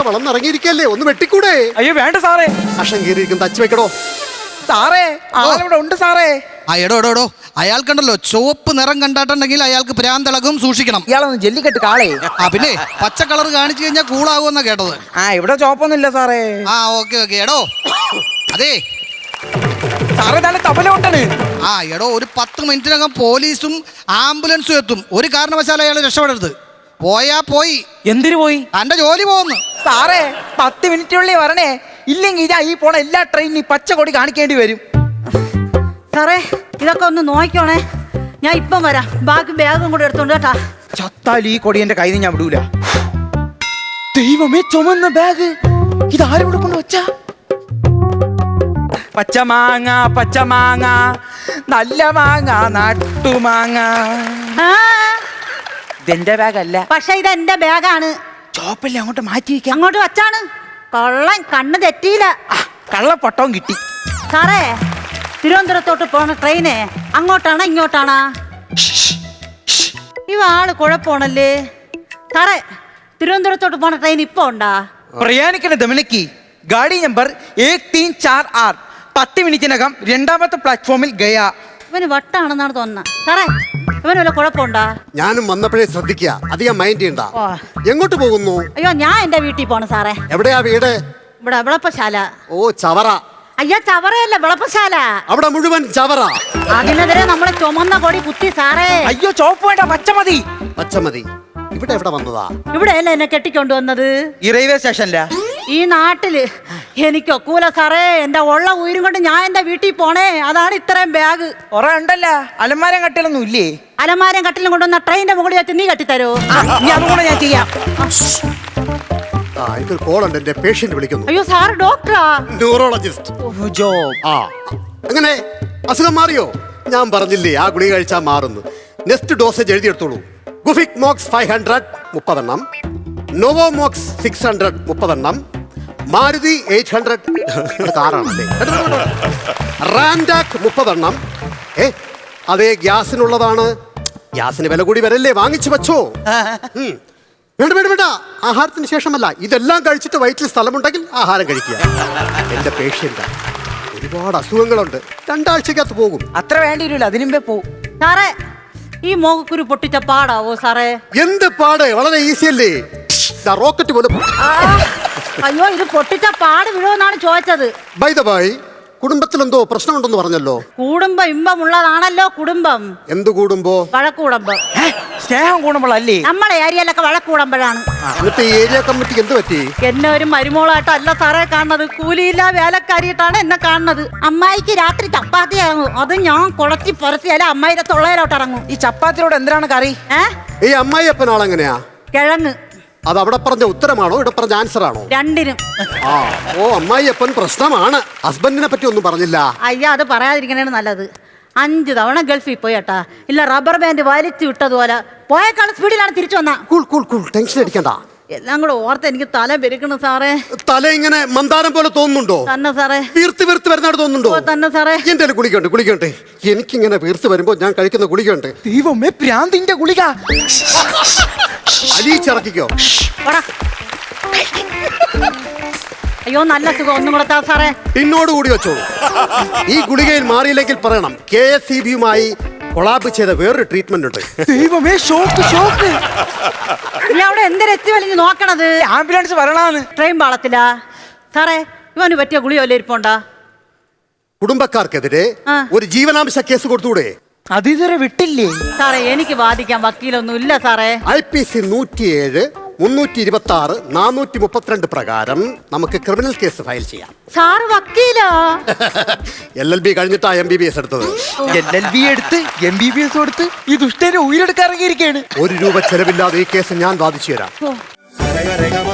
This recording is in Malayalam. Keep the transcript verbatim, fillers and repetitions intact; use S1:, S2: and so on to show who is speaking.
S1: വളർന്നിറങ്ങിയിരിക്കല്ലേ, ഒന്ന് വെട്ടിക്കൂടെ?
S2: അയ്യോ വേണ്ട സാറേ.
S1: അഷം കീറിയിരിക്കും, തച്ച് വെക്കടോ.
S2: സാറേ ആളിവിടെ ഉണ്ട് സാറേ.
S3: ആ എടോ എടോ എടോ അയാൾക്കുണ്ടല്ലോ ചുവപ്പ് നിറം കണ്ടാട്ടുണ്ടെങ്കിൽ അയാൾക്ക് ഭ്രാന്തളകും, സൂക്ഷിക്കണം.
S2: ഇയാളൊന്ന് ജല്ലിക്കെട്ട് കാളേ.
S3: ആ പിന്നെ പച്ച കളർ കാണിച്ചു കഴിഞ്ഞാൽ കൂളാകുമെന്നാ കേട്ടത്.
S2: ആ ഇവിടെ ചോപ്പൊന്നും ഇല്ല സാറേ.
S3: ആ ഓക്കെ ഓക്കെ. എടോ അതെ
S2: സാറേ തന്നെ തബല കൊണ്ടാണ്.
S3: ആ എടോ ഒരു പത്ത് മിനിറ്റിനകം പോലീസും ആംബുലൻസും എത്തും. ഒരു കാരണവശാലും അയാൾ രക്ഷപ്പെടരുത്. പോയാ പോയി.
S2: എന്തിനു പോയി?
S3: തന്റെ ജോലി പോകുന്നു.
S2: സാറേ പത്ത് മിനിറ്റിനുള്ളിൽ വരണേ, ഇല്ലെങ്കിൽ ഇതാ ഈ പോണ എല്ലാ ട്രെയിനിനും പച്ച കൊടി കാണിക്കേണ്ടി വരും.
S4: സാറേ ഇതൊക്കെ ഒന്ന് നോക്കിക്കോണേ, ഞാൻ ഇപ്പം വരാം. ബാക്കി ബാഗും കൂടെ എടുത്തോണ്ട് കേട്ടാ.
S2: ചത്താൽ ഈ കൊടി എന്റെ കയ്യിൽ നിന്ന് ഞാൻ വിടൂല. ദൈവമേ, ചുമന്ന ബാഗ് ഇതാരും ഇവിടെ കൊണ്ട് വെച്ചാ? പച്ചമാങ്ങ പച്ചമാങ്ങ നല്ല മാങ്ങ നാട്ടുമാങ്ങ.
S4: ആ,
S2: ഇതെന്റെ ബാഗല്ല.
S4: പക്ഷെ ഇത് എന്റെ ബാഗാണ്.
S2: ചോപ്പല്ലേ അങ്ങോട്ട് മാറ്റി വയ്ക്കാം.
S4: അങ്ങോട്ട് വച്ചാണ്. കൊള്ളൻ കണ്ണ് തെറ്റിയില്ല.
S2: കള്ളപ്പൊട്ടവും കിട്ടി.
S4: സാറേ തിരുവനന്തപുരത്തോട്ട് പോണ ട്രെയിന് അങ്ങോട്ടാണോ ഇങ്ങോട്ടാണോ? ഇവ ആള് കുഴപ്പമാണല്ലേ സാറേ. തിരുവനന്തപുരത്തോട്ട് പോണ ട്രെയിൻ ഇപ്പൊ ഉണ്ടാ?
S2: പ്രയാണിക്കുന്ന ദമനക്ക് ഗാഡി നമ്പർ ഏക് തീൻ ചാർ ആറ് പത്ത് മിനിറ്റിനകം രണ്ടാമത്തെ പ്ലാറ്റ്ഫോമിൽ ഗയാ.
S4: ഇവന് വട്ടാണെന്നാണ് തോന്നുന്നത് സാറേ. ഇവന് വല്ല കുഴപ്പമുണ്ടാ?
S1: ഞാനും വന്നപ്പോഴേ ശ്രദ്ധിക്കുക, അധികം മൈൻഡ് ചെയ്യണ്ട.
S4: ഓ.
S1: എങ്ങോട്ട് പോകുന്നു?
S4: അയ്യോ ഞാൻ എന്റെ വീട്ടിൽ പോണ സാറേ.
S1: എവിടെയാ വീട്?
S4: ഇവിടെ വിളപ്പശാല.
S1: ഓ ചവറ.
S4: അയ്യോ ചവറയല്ല, വിളപ്പശാല.
S1: അവിടെ മുഴുവൻ ചവറ.
S4: അതിനെതിരെ നമ്മളെ ചുമന്ന കൊടി കുത്തി സാറേ.
S2: അയ്യോ ചോപ്പ് വേണ്ട, പച്ച മതി.
S1: പച്ചമതി. ഇവിടെ എവിടെ വന്നതാ?
S4: ഇവിടെയല്ല എന്നെ കെട്ടിക്കൊണ്ടുവന്നത്.
S2: ഈ റെയിൽവേ സ്റ്റേഷനില.
S4: ഈ നാട്ടില് എനിക്കൊക്കൂല സാറേ. എന്റെ ഉള്ള ഉയരും കൊണ്ട് ഞാൻ എന്റെ വീട്ടിൽ പോണേ. അതാണ് ഇത്രയും ബാഗ്.
S2: കുറെ ഉണ്ടല്ലോ. അലമാരം കട്ടിലൊന്നും ഇല്ലേ?
S4: അലമാരം കട്ടിലും കൊണ്ടുവന്ന ട്രെയിനിന്റെ മുകളിൽ വെച്ച് നീ കെട്ടിത്തരോ?
S2: ഇനി അതുകൂടെ ഞാൻ ചെയ്യാം.
S1: ആ ഇതൊരു കോളുണ്ട്, എന്റെ പേഷ്യന്റ് വിളിക്കുന്നു.
S4: അയ്യോ സാർ ഡോക്ടറാ?
S1: ന്യൂറോളജിസ്റ്റ്. ആ അങ്ങനെ അസുഖം മാറിയോ? ഞാൻ പറഞ്ഞില്ലേ ആ ഗുളിക കഴിച്ചാൽ മാറുന്നു. നെക്സ്റ്റ് ഡോസേജ് എഴുതിയെടുത്തോളൂ. ഗുഫിക് മോക്സ് ഫൈവ് ഹൺഡ്രഡ് മുപ്പതെണ്ണം, നോവോമോക്സ് സിക്സ് ഹൺഡ്രഡ് മുപ്പതെണ്ണം, മാരുതി എയ്റ്റ് ഹൺഡ്രഡ് കാറാണല്ലേ, റാൻഡാക് മുപ്പതെണ്ണം. ഏ അതേ ഗ്യാസിനുള്ളതാണ്. ഗ്യാസിന് വില കൂടി വരല്ലേ, വാങ്ങിച്ചു വെച്ചോ. വേണ്ട വേണ്ട വേണ്ട, ആഹാരത്തിന് ശേഷമല്ല. ഇതെല്ലാം കഴിച്ചിട്ട് വയറ്റിൽ സ്ഥലമുണ്ടെങ്കിൽ ആഹാരം കഴിക്കുക. എന്റെ പേഷ്യന്റ് ഒരുപാട് അസുഖങ്ങളുണ്ട്. രണ്ടാഴ്ചക്കകത്ത് പോകും.
S2: അത്ര വേണ്ടി വരില്ല, അതിനുമ്പേ പോവും.
S4: സാറേ ഈ മോഹക്കുരു പൊട്ടിച്ച പാടാവോ സാറേ?
S1: എന്ത് പാട്, വളരെ ഈസി അല്ലേ. റോക്കറ്റ് പോലെ.
S4: അയ്യോ ഇത് പൊട്ടിച്ച പാട് വീഴുമെന്നാണ് ചോദിച്ചത്.
S1: ബൈ ദ ബൈ, കുടുംബത്തിലെന്തോ പ്രശ്നമുണ്ടെന്ന് പറഞ്ഞല്ലോ.
S4: കുടുംബം ഇമ്പമുള്ളതാണല്ലോ കുടുംബം.
S1: എന്ത് കൂടുമ്പോ?
S4: വഴക്കൂടുമ്പം.
S2: സ്നേഹം കൂടുമ്പോഴല്ലേ?
S4: നമ്മളെ ഏരിയയിലൊക്കെ വഴക്കൂടുമ്പോഴാണ്.
S1: എന്നിട്ട് ഈ ഏരിയ കമ്മിറ്റിക്ക് എന്ത് പറ്റി?
S4: എന്നെ ഒരു മരുമോളായിട്ടല്ല സാറേ കാണുന്നത്, കൂലിയില്ല വേലക്കാരിയിട്ടാണ് എന്നെ കാണുന്നത്. അമ്മായിക്ക് രാത്രി ചപ്പാത്തിയാകും, അത് ഞാൻ കുളത്തി പുറത്തിയാലും അമ്മായിയുടെ തൊള്ളയിലോട്ട് ഇറങ്ങും.
S2: ഈ ചപ്പാത്തിയോട് എന്തിനാണ് കറി?
S4: ഏഹ്
S1: ഈ അമ്മായിയപ്പനാളെങ്ങനെയാ?
S4: കിഴങ്ങ്.
S1: അത് അവിടെ പറഞ്ഞ ഉത്തരമാണോ ഇവിടെ പറഞ്ഞ ആൻസർ ആണോ?
S4: രണ്ടിനും.
S1: ആ ഓ അമ്മായിയപ്പൻ പ്രശ്നമാണ്. ഹസ്ബൻഡിനെ പറ്റി ഒന്നും പറഞ്ഞില്ല.
S4: അയ്യ അത് പറയാതിരിക്കണേണ് നല്ലത്. അഞ്ചു തവണ ഗൾഫിൽ പോയട്ടാ. ഇല്ല റബ്ബർ ബാൻഡ് വലിച്ചു വിട്ടതുപോലെ പോയേക്കാൾ സ്പീഡിലാണ് തിരിച്ചു വന്ന.
S1: കൂൾ കൂൾ കൂൾ, ടെൻഷൻ അടിക്കണ്ട.
S4: എല്ലാം കൂടെ ഓർത്ത് എനിക്ക് തല പെരുക്കണം സാറേ.
S1: തല ഇങ്ങനെ മന്ദാരം പോലെ തോന്നുന്നുണ്ടോ?
S4: തന്നെ സാറേ.
S1: വീർത്ത് വീർത്ത് വരുന്നതായിട്ട് തോന്നുന്നുണ്ടോ?
S4: ഓ, തന്നെ സാറേ.
S1: എന്റെ ഗുളികയുണ്ട് ഗുളികയുണ്ട്. എനിക്കിങ്ങനെ വീർത്ത് വരുമ്പോ ഞാൻ കഴിക്കുന്ന ഗുളികയുണ്ട്.
S2: ദൈവമേ, പ്രാന്തിന്റെ ഗുളിക.
S1: അലിയിച്ചിറക്കിക്കോ.
S4: അയ്യോ നല്ല സുഖം, ഒന്നും കൂടെ താ സാറേ.
S1: പിന്നോട് കൂടി വെച്ചോളൂ. ഈ ഗുളികയിൽ മാറിയില്ലെങ്കിൽ പറയണം. കെ എസ് ഇ ബിയുമായി കൊളാബ് ചെയ്ത വേറൊരു ട്രീറ്റ്മെന്റ് ഉണ്ട്.
S2: ദൈവമേ, ഷോക്ക് ഷോക്ക്.
S4: ഇല്ല അവിടെ എന്തിനെത്തി വലിഞ്ഞ് നോക്കണത്?
S2: ആംബുലൻസ് വരണാന്ന്.
S4: ട്രെയിൻ പാളത്തില്ല സാറേ. ഇവന് പറ്റിയ ഗുളിയോ വല്ല ഇരിപ്പുണ്ടാ?
S1: കുടുംബക്കാർക്കെതിരെ
S4: ആ.
S1: ഒരു ജീവനാംശ കേസ് കൊടുത്തൂടെ?
S2: അതിതുവരെ വിട്ടില്ലേ?
S4: സാറേ എനിക്ക് വാദിക്കാൻ വക്കീലൊന്നും ഇല്ല സാറേ.
S1: ഐ പി സി നൂറ്റിയേഴ് മുന്നൂറ്റി ഇരുപത്തി ആറ് നാനൂറ്റി മുപ്പത്തിരണ്ട് പ്രകാരം നമുക്ക് ക്രിമിനൽ കേസ് ഫയൽ ചെയ്യാം.
S4: സാറ് വക്കീലോ?
S1: എൽ എൽ ബി കഴിഞ്ഞിട്ടാ എം ബി ബി എസ് എടുത്തത്.
S2: എൽ എൽ ബി എടുത്ത് എം ബി ബി എസ് കൊടുത്ത് ഈ ദുഷ്ടനെ ഉയരെടുക്കാൻ ഇറങ്ങിയിരിക്കുകയാണ്.
S1: ഒരു രൂപ ചെലവില്ലാതെ ഈ കേസ് ഞാൻ വാദിച്ചു തരാം.
S4: ഓ.